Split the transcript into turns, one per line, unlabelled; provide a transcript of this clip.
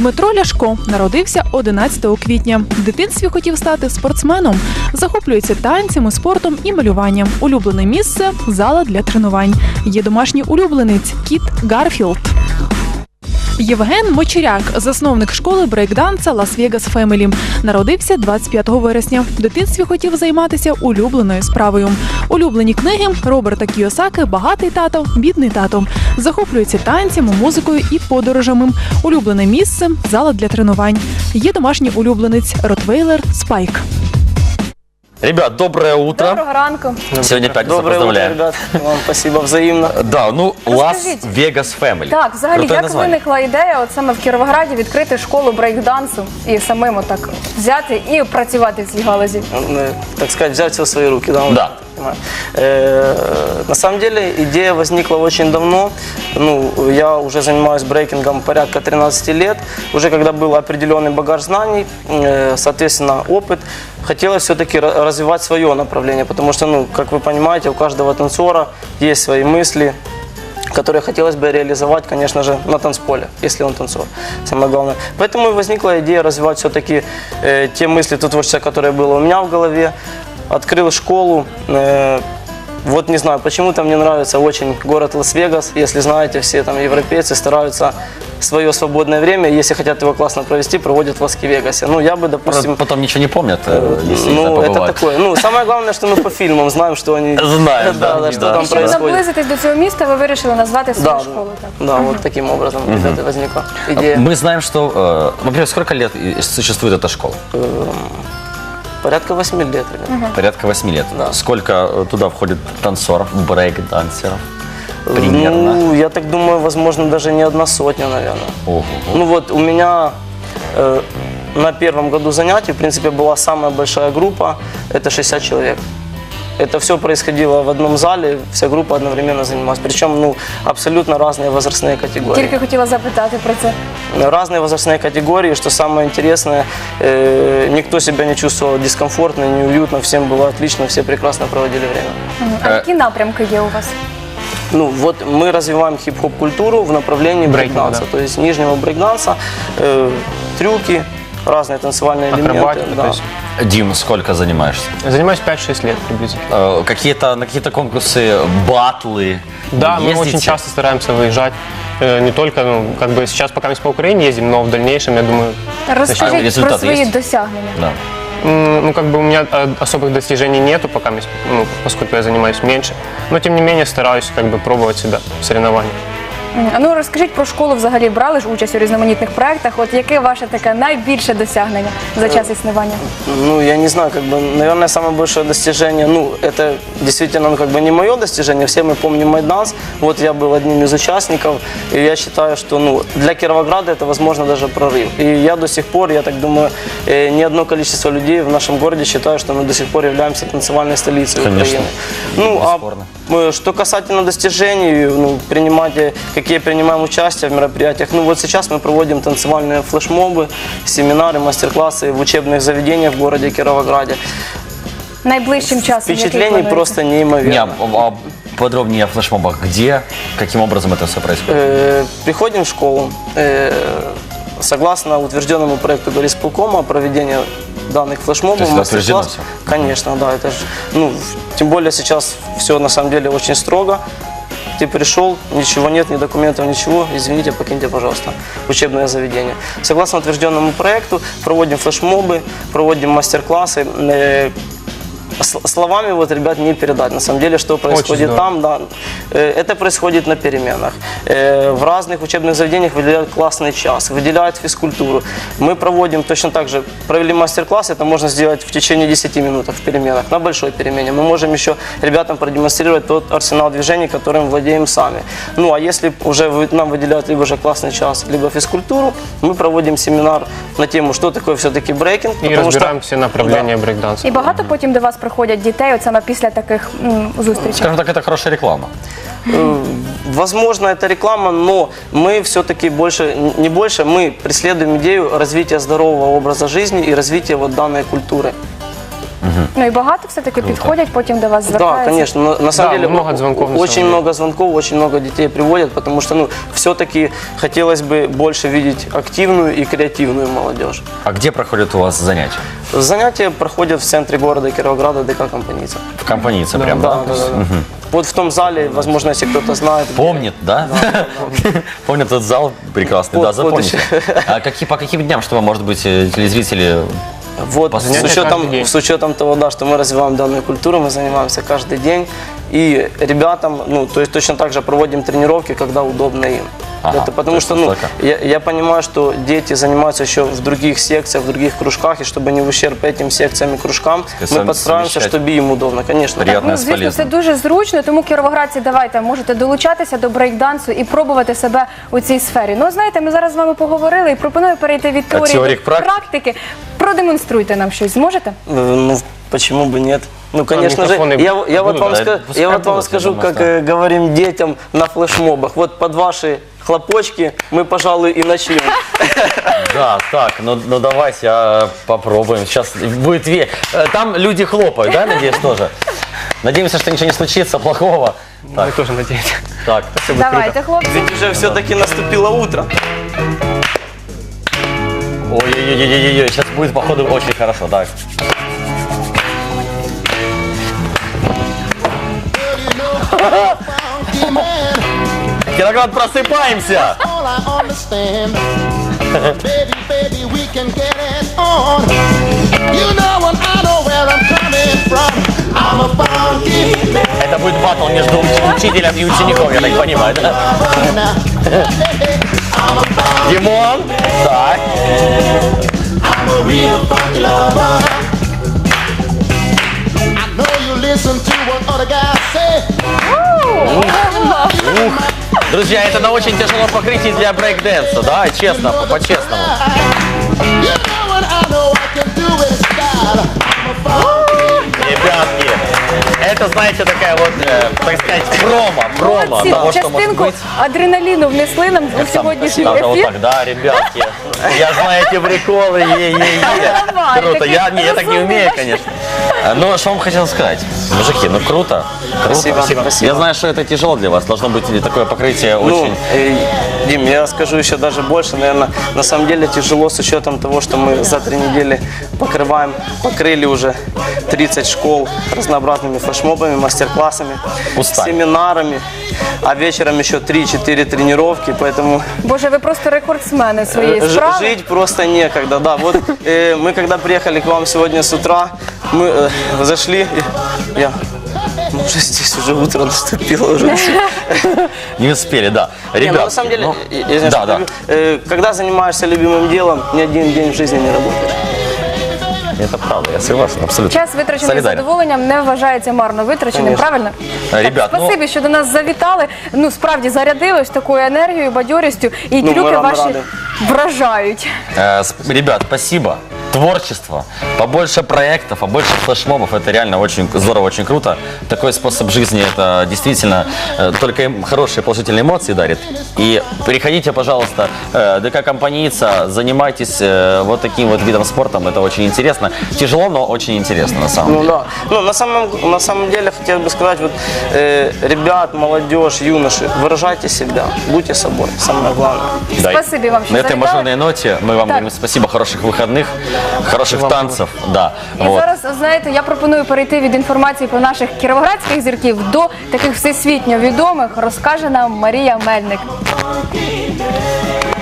Дмитро Ляшко народився 11 квітня. В дитинстві хотів стати спортсменом. Захоплюється танцями, спортом і малюванням. Улюблене місце – зала для тренувань. Є домашній улюбленець – кіт Гарфілд. Євген Мочеряк, засновник школи брейкданса Лас-Вегас Фемелі. Народився 25 вересня. В дитинстві хотів займатися улюбленою справою. Улюблені книги Роберта Кійосаки «Багатий тато, бідний тато». Захоплюється танцями, музикою і подорожами. Улюблене місце – зала для тренувань. Є домашній улюбленець – ротвейлер Спайк.
Ребят, доброе утро.
Доброго ранку.
Сегодня пятница,
Доброе утро,
поздравляю.
ребят. Вам спасибо взаимно.
Да, ну,
Расскажите.
Las-Vegas Family.
Так, взагалі,
Крутое
як
название.
виникла ідея от саме в Кіровограді відкрити школу брейкдансу і самим так взяти і працювати в цій галузі?
Так сказать, взять все в свои руки. Да.
Да.
На самом деле идея возникла очень давно. Ну, я уже занимаюсь брейкингом порядка 13 лет. Уже когда был определенный багаж знаний, соответственно, опыт, хотелось все-таки развивать свое направление. Потому что, ну, как вы понимаете, у каждого танцора есть свои мысли, которые хотелось бы реализовать, конечно же, на танцполе, если он танцор, самое главное. Поэтому и возникла идея развивать все-таки те мысли, то творчество, которое было у меня в голове. Открыл школу. Вот не знаю, почему-то мне нравится очень город Лас-Вегас. Если знаете, все там европейцы стараются свое свободное время, если хотят его классно провести, проводят в Лас-Вегасе. Ну, я бы, допустим...
Потом ничего не помнят, если
Ну, это
побывают.
такое. Ну, самое главное, что мы по фильмам знаем, что они...
Знаем,
да,
да,
что
да.
там
І щоб
происходит.
наблизитись до цього міста, ви вирішили назвати свою
Да,
школу. Так.
да, вот таким образом, ребята, возникла идея.
Мы знаем, что, во-первых, сколько лет существует эта школа?
Порядка 8 лет, ребята.
Порядка 8 лет.
Да.
Сколько туда входит танцоров, брейк-дансеров? Примерно.
Ну, я так думаю, возможно, даже не 100, наверное.
Ого.
Ну вот у меня на первом году занятий, в принципе, была самая большая группа, это 60 человек. Это все происходило в одном зале, вся группа одновременно занималась. Причем, ну, абсолютно разные возрастные категории.
Тільки хотіла запитати про це.
Разные возрастные категории, что самое интересное, никто себя не чувствовал дискомфортно, неуютно, всем было отлично, все прекрасно проводили время.
А які напрямки є у вас?
Ну, вот мы развиваем хип-хоп культуру в направлении брейкданса,
да.
то есть нижнего брейкданса, трюки, разные танцевальные элементы.
Акробатика,
Да.
то есть.
Дим, сколько занимаешься?
Занимаюсь 5-6 лет приблизительно.
На какие-то конкурсы, батлы?
Да, мы
ездите?
очень часто стараемся выезжать. Не только, ну, как бы сейчас пока мы по Украине ездим, но в дальнейшем, я думаю,
Розкажіть про
результат
свої
є?
досягнення.
Да.
ну, как бы у меня особых достижений нету, пока, ну, поскольку я занимаюсь меньше. Но, тем не менее, стараюсь как бы пробовать себя в соревнованиях.
А ну розкажіть про школу, взагалі брали ж участь у різноманітних проєктах. От яке ваше таке найбільше досягнення за час існування?
Ну, я не знаю, как бы, наверное, самое большое достижение, ну, это действительно, ну, как бы не мое достижение, все мы помним Майданс, вот я был одним из участников, и я считаю, что, ну, для Кировограда это, возможно, даже прорыв. И я до сих пор, я так думаю, не одно количество людей в нашем городе считают, что мы до сих пор являемся танцевальной столицей
Конечно.
Украины. Ну,
Бесспорно.
что касательно достижений, ну, какие принимаем участие в мероприятиях, ну, вот сейчас мы проводим танцевальные флешмобы, семинары, мастер-классы в учебных заведениях в городе Кировограде.
Найближчим часом? який
Впечатлений
плануєте?
просто неимоверно.
Подробнее о флешмобах. Где, каким образом это все происходит?
Приходим в школу, согласно утвержденному проекту горисполкома, проведение данных флешмобов,
То есть это утверждено
мастер-класс. Конечно, да, это же, ну, тем более сейчас все на самом деле очень строго. Ты пришел, ничего нет, ни документов, ничего, извините, покиньте, пожалуйста, учебное заведение. Согласно утвержденному проекту, проводим флешмобы, проводим мастер-классы. Словами вот, ребят, не передать. На самом деле, что происходит там, да, это происходит на переменах. В разных учебных заведениях выделяют классный час, выделяют физкультуру. Мы проводим точно так же, провели мастер-класс, это можно сделать в течение 10 минут в переменах, на большой перемене. Мы можем еще ребятам продемонстрировать тот арсенал движений, которым владеем сами. Ну, а если уже нам выделяют либо же классный час, либо физкультуру, мы проводим семинар на тему, что такое все-таки брейкинг.
И разбираем все направления брейкданса.
І багато потім до вас приходять дітей, от саме після таких зустрічей?
Скажем так, это хорошая реклама.
Возможно, это реклама, но мы все-таки мы преследуем идею развития здорового образа жизни и развития вот данной культуры.
Ну і багато все-таки підходять, потім до вас
Да,
звертаються.
конечно. На самом
Да,
деле
много звонков, на
очень
самом деле.
много звонков, очень много детей приводят, потому что все-таки хотелось бы больше видеть активную и креативную молодежь.
А где проходят у вас занятия?
Занятия проходят в центре города Кировограда, ДК «Компаница».
В компанице прям,
Да,
да?
да, да. Вот в том зале, возможно, если кто-то знает.
Помнит, да? Помнит этот зал прекрасный, да,
Вот
запомните. А по каким дням, чтобы, может быть, телезрители...
Вот, с
Занятия каждый
учетом,
день.
с учетом того, да, что мы развиваем данную культуру, мы занимаемся каждый день. И ребятам, то есть точно так же проводим тренировки, когда удобно им.
Ага,
Это
то
потому
есть
что,
настолько.
я понимаю, что дети занимаются еще в других секциях, в других кружках, и чтобы не в ущерб этим секциям и кружкам,
Сами
мы подстраиваемся,
совмещать.
чтобы им удобно, конечно.
Приятно.
Ну, звісно, це дуже зручно, тому кіровоградці, давайте, можете долучатися до брейкдансу і пробувати себе у цій сфері. Ну, знаєте, ми зараз з вами поговорили і пропоную перейти від теорії
теорії
до
к практиці?
практики. Продемонструйте нам щось, зможете?
Почему бы нет? Ну, конечно же,
микрофоны
я вот
будут,
вам,
да, пускай
я вот вам
будут,
скажу,
я думаю,
как говорим детям на флешмобах. Вот под ваши хлопочки мы, пожалуй, и начнем.
Да, так, ну давайте попробуем. Сейчас будет... Там люди хлопают, да, надеюсь, тоже? Надеемся, что ничего не случится плохого.
Мы тоже надеемся.
Так,
Давайте, хлопці.
Ведь уже все-таки наступило утро.
ой-ой-ой, сейчас будет, походу, очень хорошо, так. Кироград, просыпаемся!
All I understand. Baby, baby, we can get it on. You know and I know where I'm coming from. I'm a funky man.
Это будет баттл между учителем и учеником, я так понимаю, да? Димон, так.
I'm a real funky lover. I know you listen to what other guys say.
Друзья, это на очень тяжелом покрытии для брейк-дэнса, да, честно, по-честному.
You know and I know I can do it in style. I'm a funky.
Ребятки, это, знаете, такая вот, так сказать, промо
Молодці,
того, что может
частинку
быть.
адреналіну внесли нам у сьогоднішній
Надо вот
ефір.
так, да, ребятки. Я знаю эти приколы,
Давай,
Круто,
такие
я так не умею,
разумные.
конечно. Ну, что вам хотел сказать? Мужики, ну круто.
Спасибо, спасибо.
Я знаю, что это тяжело для вас. Должно быть такое покрытие
Ну,
очень...
Дим, я скажу еще даже больше, наверное, на самом деле тяжело с учетом того, что мы за 3 недели покрыли уже 30 школ разнообразными флешмобами, мастер-классами,
Устали.
семинарами, а вечером еще 3-4 тренировки, поэтому
Боже, ви просто рекордсмени своєї справи.
жить просто некогда, да. Вот мы когда приехали к вам сегодня с утра, мы зашли, уже здесь уже утро наступило, уже все.
Не успели, да.
Не,
Ребят,
ну, на самом деле, я извиняюсь,
да, да.
когда занимаешься любимым делом, ни один день в жизни не работаешь.
Это правда, я согласен, абсолютно.
Час витрачений
Солидарен.
задоволенням не вважається марно витраченим,
Конечно.
правильно?
Ребят,
так, спасибі, що до нас завітали. Ну, справді зарядили ось такою енергією, бадьорістю, і
Ну, ми
трюки
вам
ваші
раді.
вражають.
Ребят, спасибо. Творчество, побольше проектов, побольше флешмобов. Это реально очень здорово, очень круто. Такой способ жизни, это действительно только им хорошие положительные эмоции дарит. И приходите, пожалуйста, ДК «Компаница», занимайтесь вот таким вот видом спорта. Это очень интересно. Тяжело, но очень интересно на самом
Ну
деле.
да. Ну, на самом деле, хотел бы сказать, вот, ребят, молодежь, юноши, выражайте себя, будьте собой, самое главное.
Да, и
Спасибо вам, что
на этой
завітали.
мажорной ноте мы вам
Так.
говорим спасибо, хороших выходных, хороших танцев. Да,
І
вот.
зараз, знаєте, я пропоную перейти від інформації про наших кіровоградських зірків до таких всесвітньо відомих, розкаже нам Марія Мельник.